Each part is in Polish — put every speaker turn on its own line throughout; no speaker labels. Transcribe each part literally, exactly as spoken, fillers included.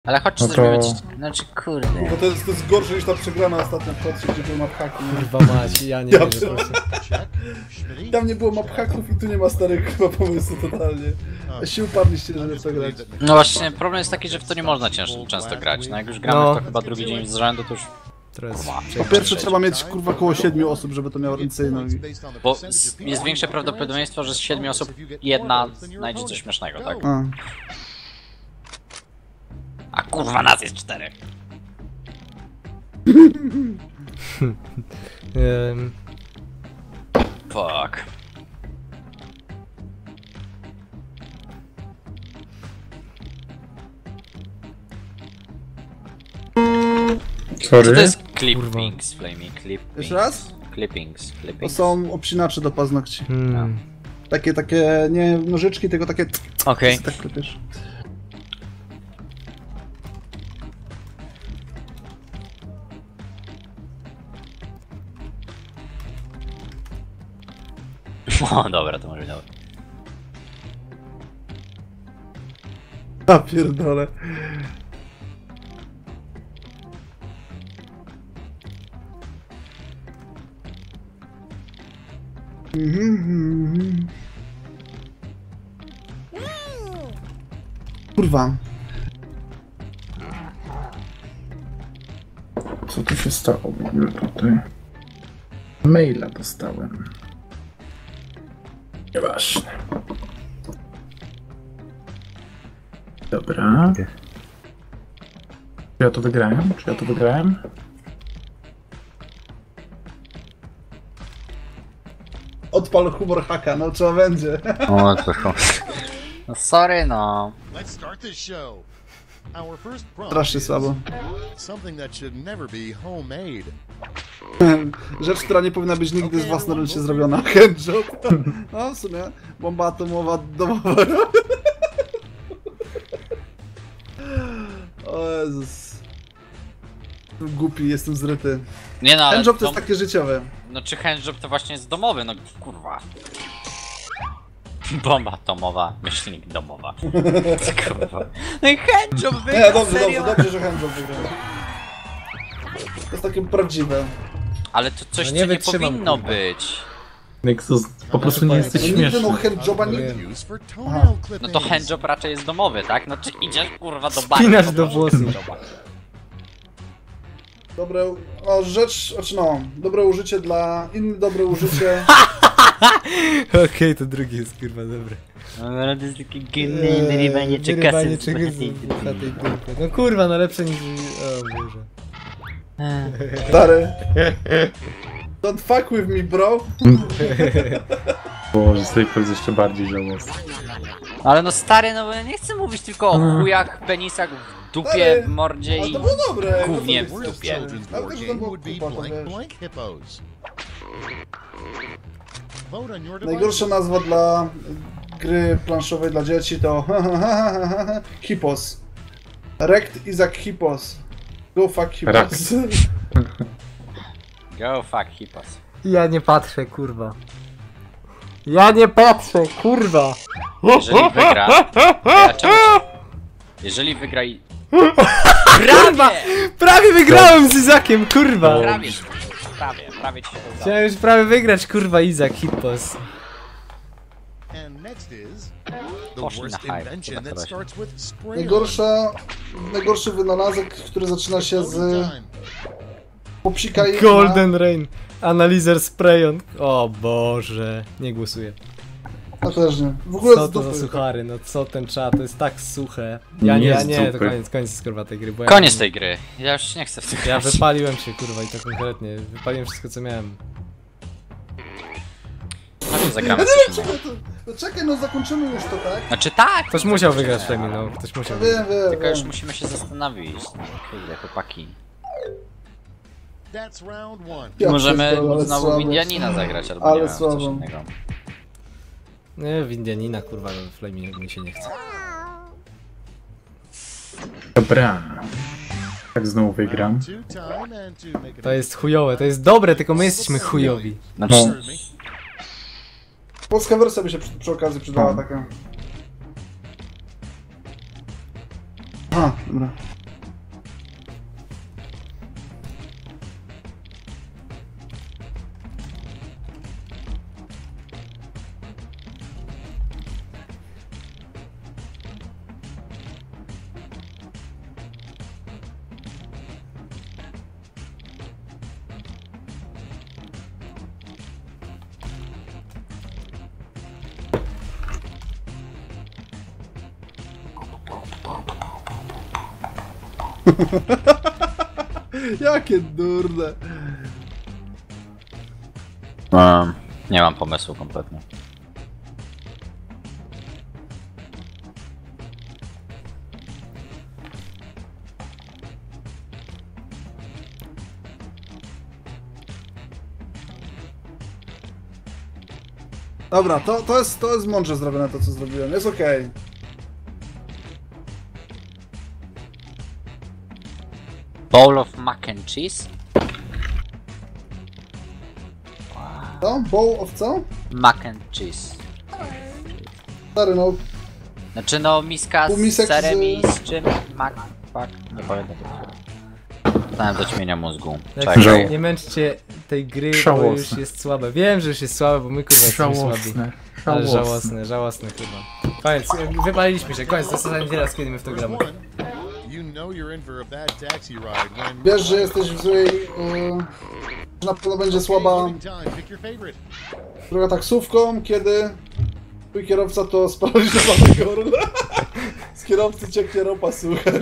Ale chodź
No
coś
to-
zrobić. Znaczy kurde.
Bo to jest, to jest gorsze niż ta przegrana ostatnio w Hotsie, gdzie był map haki.
Kurwa mać, ja nie
Ja
wiem,
przy-
po prostu.
Tam nie było map haków i tu nie ma starych chyba pomysłu totalnie. A się uparliście, żeby w to grać.
No właśnie, problem jest taki, że w to nie można cięż, często grać. No jak już gramy
No.
w to chyba drugi dzień z rzędu, to już...
Teraz
Po pierwsze trzeba mieć kurwa około siedmiu osób, żeby to miało ręce i nogi.
Bo s- jest większe prawdopodobieństwo, że z siedmiu osób jedna znajdzie coś śmiesznego, tak?
A.
A kurwa nas jest czterech.
Ehm,
Fuck. Co
Sorry.
to jest clippings, flamey, clippings?
Jeszcze raz?
Clippings,
To
clippings.
są obcinacze do paznokci.
hmm.
Takie, takie, nie nożyczki, tylko takie...
Okej.
Tak klepiesz.
O, dobra, to może być dobre.
A pierdolę. Mhm. Kurwa.
Co tu się stało w ogóle tutaj? Maila dostałem. Nieważne. Dobra. Czy ja to wygrałem? Czy ja to wygrałem?
Odpal humor haka, no trzeba będzie.
O, to no sorry, no.
Let's start this show. Our first prompt
Strasznie
is
słabo.
something that should never be homemade.
Rzecz, która nie powinna być nigdy z własnoręcznie zrobiona. Handjob. No w sumie. Bomba atomowa domowa. O Jezus. Jestem głupi, jestem zryty.
Nie no, ale
Handjob to jest
dom-
takie życiowe.
No czy handjob to właśnie jest domowy, no kurwa. Bomba atomowa, myślnik domowa. Kurwa. No i handjob
Nie,
wygra,
dobrze,
serio?
dobrze, dobrze, że handjob wygrał. To jest takie prawdziwe.
Ale to coś,
No
co
nie
nie
wytrzymam,
powinno
kurwa.
być.
Nexus, po prostu nie jesteś
No nigdy no
śmieszny.
handjoba nigdy.
Used for toenail
No
clippings.
to handjob raczej jest domowy, tak? No czy idziesz kurwa do baru?
Spinasz
to
do
masz
włosów.
handjoba.
Dobre, o rzecz, znaczy no, dobre użycie dla, inne dobre użycie.
Okej, to drugi jest kurwa dobry.
No to jest takie
Eee,
genne wyrywanie
wyrywanie
czekasy.
czegoś z chatej dupy. No kurwa, no lepsze niż... O Boże.
Stary. Don't fuck with me, bro.
Boże, Staples jest jeszcze bardziej żałosny.
Ale no stary, no bo ja nie chcę mówić tylko o chujach, penisach w dupie,
Stary,
w mordzie
Ale
i...
to było dobre.
Gównie
no to
w
jest
dupie.
stary.
Children's
Ale
board
też to
game
było
would be
kupa, to
blank
wiesz.
blank hippos. Vote on your
Najgorsza
devices.
nazwa dla gry planszowej dla dzieci to Hippos. Rect Isaac Hippos. Go fuck Hippos.
Rakt.
Go fuck hippos.
Ja nie patrzę, kurwa. Ja nie patrzę, kurwa.
Jeżeli wygra... Ja czemu ci- Jeżeli wygra i...
Kurwa! Prawie wygrałem z Izakiem, kurwa!
Prawie, prawie, prawie ci się to udało.
Chciałem już prawie wygrać, kurwa, Izak, Hippos.
And next is the
Poszli
worst
na hype,
invention
chyba
that
to
starts with spray.
Najgorsza, najgorszy wynalazek, który zaczyna się z
Time.
popsika i
Golden Rain. Analizer Sprayon. O Boże. Nie głosuję.
No też nie. W ogóle
Co
z
to za
dupy.
suchary, no co ten czat, to jest tak suche. Ja nie,
Nie
ja
z
nie, to
dupy.
koniec, koniec kurwa tej gry, bo ja
Koniec tej gry. Ja już nie chcę w tym
Ja
grać.
wypaliłem się kurwa i to konkretnie. Wypaliłem wszystko co miałem.
Chodźmy, zagramy
Ja
coś
nie wiem,
innego.
czekaj, to, to czekaj, no zakończymy już to, tak?
Znaczy tak!
Ktoś musiał wygrać Femi, no. Ktoś musiał wygrać.
Wiem, wiem,
Tylko już
wiem.
musimy się zastanowić. Kurde, chłopaki.
That's round one.
Ja
Możemy
pierdolę, ale
znowu
słabo.
w Indianina zagrać, albo
Ale
nie wiem, w coś
słabo.
innego.
Nie, w Indianina kurwa, no Flamey mi się nie chce.
Dobra. Tak znowu wygram.
Two time and to make it
To jest chujowe, to jest dobre, tylko my jesteśmy chujowi.
Znaczy,
No.
Heard me?
Polska wersja by się przy, przy okazji przydała
No.
taka. Aha, Dobra. Jakie durne.
Um, nie mam pomysłu kompletnie.
Dobra, to, to, jest, to jest mądrze zrobione to, co zrobiłem. Jest okej.
Bowl of mac and cheese?
Co? Bowl of co?
Mac and cheese.
Stary, no.
Znaczy no miska z
Półmisek
serem
z-
i z czym? Mac, fuck, nie pamiętam. Dostałem do ćmienia mózgu.
Tak,
Czekaj.
nie męczcie tej gry, bo
Żałosne.
już jest słabe. Wiem, że już jest słabe, bo my kurwa jesteśmy słabi.
Żałosne.
Ale
Żałosne.
żałosne, żałosne kurwa. Koniec, wypaliliśmy się, koniec, to jest ostatni raz, kiedy my w to gramy.
You know you're in for a bad taxi ride when
Wiesz, że jesteś w złej... Yy, że na pewno będzie słaba
loading time. Pick your favorite.
droga taksówką, kiedy twój kierowca to sparaliżowany gorla. Z kierowcy cieknie ropa sucha.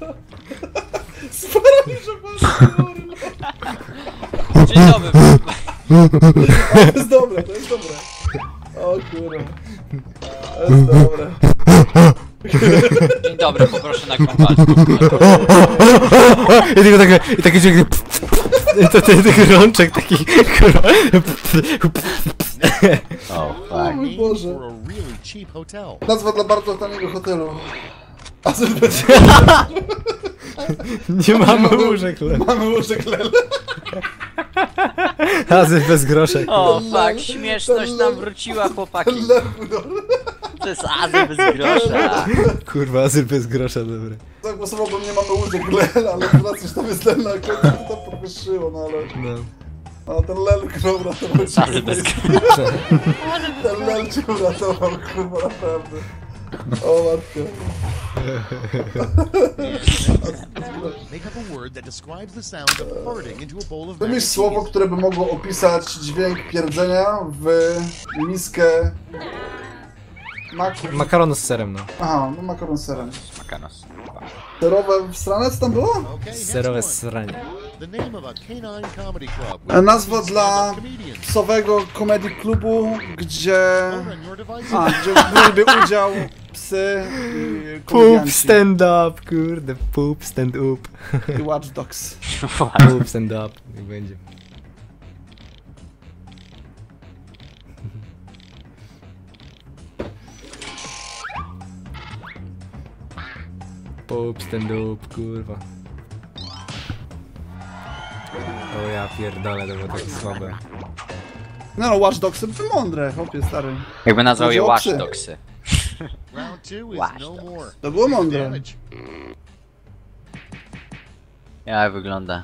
Sparaliżowany gorla.
Dzień dobry.
To jest dobre, to jest dobre. O kurwa. To jest dobre.
Dzień dobry, poproszę na kompanię.
I tylko takie, i takie dźwięk, to, to, taki rączek, taki kurwa.
O,
O
fuck.
mój Boże.
For a really cheap hotel.
Nazwa dla bardzo taniego hotelu. Azerbejdżan.
Nie mamy łóżek, le.
Mamy łóżek lele.
Azyl bez groszek.
O,
Ten
fuck,
lew-
śmieszność
ten
nam
lew-
wróciła, chłopaki.
Lewu,
To jest azy bez grosza.
Kurwa, azyl bez grosza, dobra.
Zagłosowałbym, nie mamy łóżek lel, ale teraz już tam jest lel na końcu, to tam podwyższyło, no ale...
No.
No ten lel kurwa uratował cię.
Azy bez grosza.
Ten lel cię uratował, kurwa, naprawdę. O matko.
Make up a word that describes the sound of farting into a bowl of mac
Wymyśl
and
słowo,
cheese.
które by mogło opisać dźwięk pierdzenia w miskę... Mak...
Makaron z serem, no.
Aha, no makaron z serem.
Makanos.
Serowe w stronę, co tam było?
Okay, next
Serowe
one.
sranie.
The name of a canine comedy club.
E, Nazwa dla
Comedians.
psowego komedii klubu, gdzie...
Load on your devices.
A, gdzie braliby udział psy i
Poop
komedianci.
stand up, kurde, poop stand up.
I Watch Dogs.
Poop stand up, niech będzie. Poop stand up, kurwa. O ja pierdolę, to było takie słabe.
No, no Watch Dogsy były mądre, chłopie stary.
Jakby nazwał je
Chodzi o
Watch
psy.
Dogsy.
Round two is
Watch
no
Dogs.
more.
To było mądre.
Damage.
Jak wygląda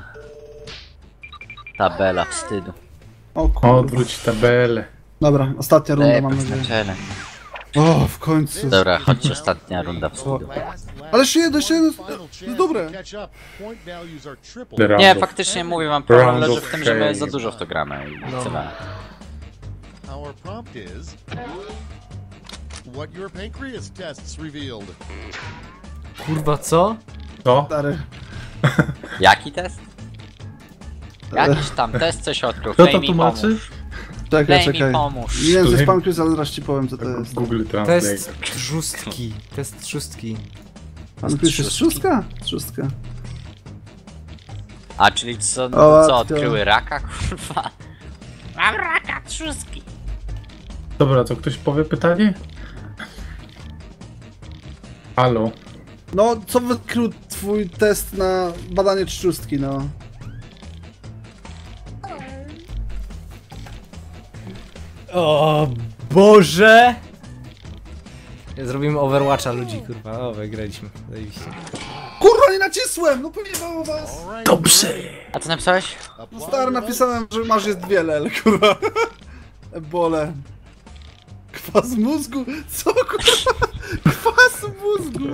tabela wstydu.
O kurwa.
Odwróć tabelę.
Dobra, ostatnia runda mam
Lepek na
nadzieję.
czele.
O, w końcu.
Dobra, chodź ostatnia runda wstydu.
Last lap.
Ale jeszcze jedno, jeszcze jedno.
Final chance
jest dobre.
to catch up. Point values are triple.
Round
Nie,
of-
faktycznie mówię wam, problem
Round
leży
of
w tym, że my za
shame.
dużo w to gramy i
No.
tyle.
Our prompt is what your pancreas tests revealed.
Kurwa, co?
Co?
Stary.
Jaki test? Jakiś tam test coś odkrył.
Kto to
Flame mi
tłumaczy?
pomóż.
Czekaj,
Flame mi
czekaj.
pomóż.
Nie wiem, co jest
Flame-
pankreas, ale zaraz ci powiem, co to jest.
Google Translate.
Test trzustki, test trzustki.
Pankreas jest szóstka? Szóstka.
A, czyli co,
O,
co
to-
odkryły raka, kurwa? Mam raka, trzustki.
Dobra, co ktoś powie pytanie? Halo.
No, co wykrył twój test na badanie trzustki, no?
O Boże! Zrobimy Overwatcha ludzi, kurwa. O, wygraliśmy. Zajebiście.
Kurwa, nacisłem! No pojebało was!
All right.
Dobrze!
A co napisałeś?
No stary, napisałem, że masz jest wiele, ale kurwa. Ebole. Kwas mózgu? Co kurwa? Kwas mózgu!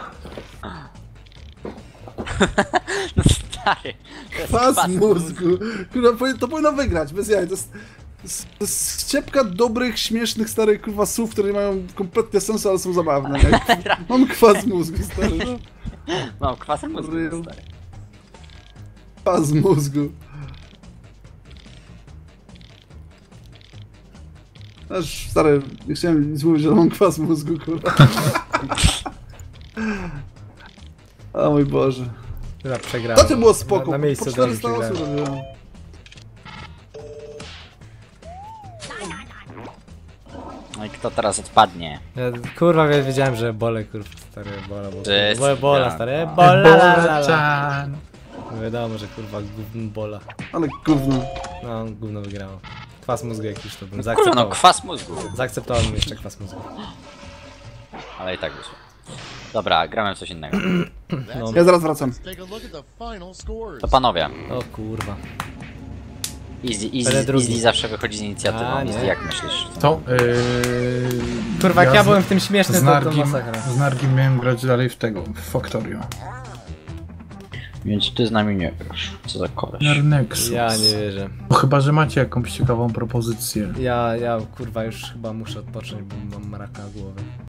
No stary. to jest
Kwas mózgu! Kurwa, powi- to powinno wygrać, bez jaj. To jest, to jest, to jest ściepka dobrych, śmiesznych, starych kurwa słów, które nie mają kompletnie sensu, ale są zabawne. Nie? Mam kwas mózgu, stary. No.
Mam kwasem mózgu,
Real.
stary.
Kwas mózgu. Aż, stary, nie chciałem nic mówić, ale mam kwas mózgu, kurwa. O mój Boże.
Chyba przegrałem.
To ty było spoko,
Na, na miejscu
po
do nich
czterysta osób
przegrałem.
robiłem.
No i kto teraz odpadnie?
Ja, kurwa, ja wiedziałem, że ebole, kurwa, stary ebola, bo...
Że jest
bo ebola,
tak.
stary ebola, la, la, la, la.
Ebola-chan.
No wiadomo, że kurwa gówno bola.
Ale gówno.
No, gówno wygrało. Kwas mózgu jakiś to bym
Kurwa,
zaakceptował.
no kwas mózgu.
Zaakceptowałem jeszcze kwas mózgu.
Ale i tak wyszło. Dobra, gramy w coś innego.
No.
Ja zaraz wracam.
Let's take a look at the final scores.
To panowie,
O kurwa.
Easy,
Będę
easy,
drugi.
easy zawsze wychodzi z inicjatywą.
A,
Easy,
nie.
jak myślisz?
To, yy...
Kurwa, jak ja
z-
byłem w tym śmieszny,
z
to, to
Nargim,
masakra.
z Nargim miałem grać dalej w tego, w Factorio.
Więc ty z nami nie wiesz. Co za koleś.
Nexus.
Ja nie wierzę.
No chyba, że macie jakąś ciekawą propozycję.
Ja, ja kurwa już chyba muszę odpocząć, bo mam raka głowy.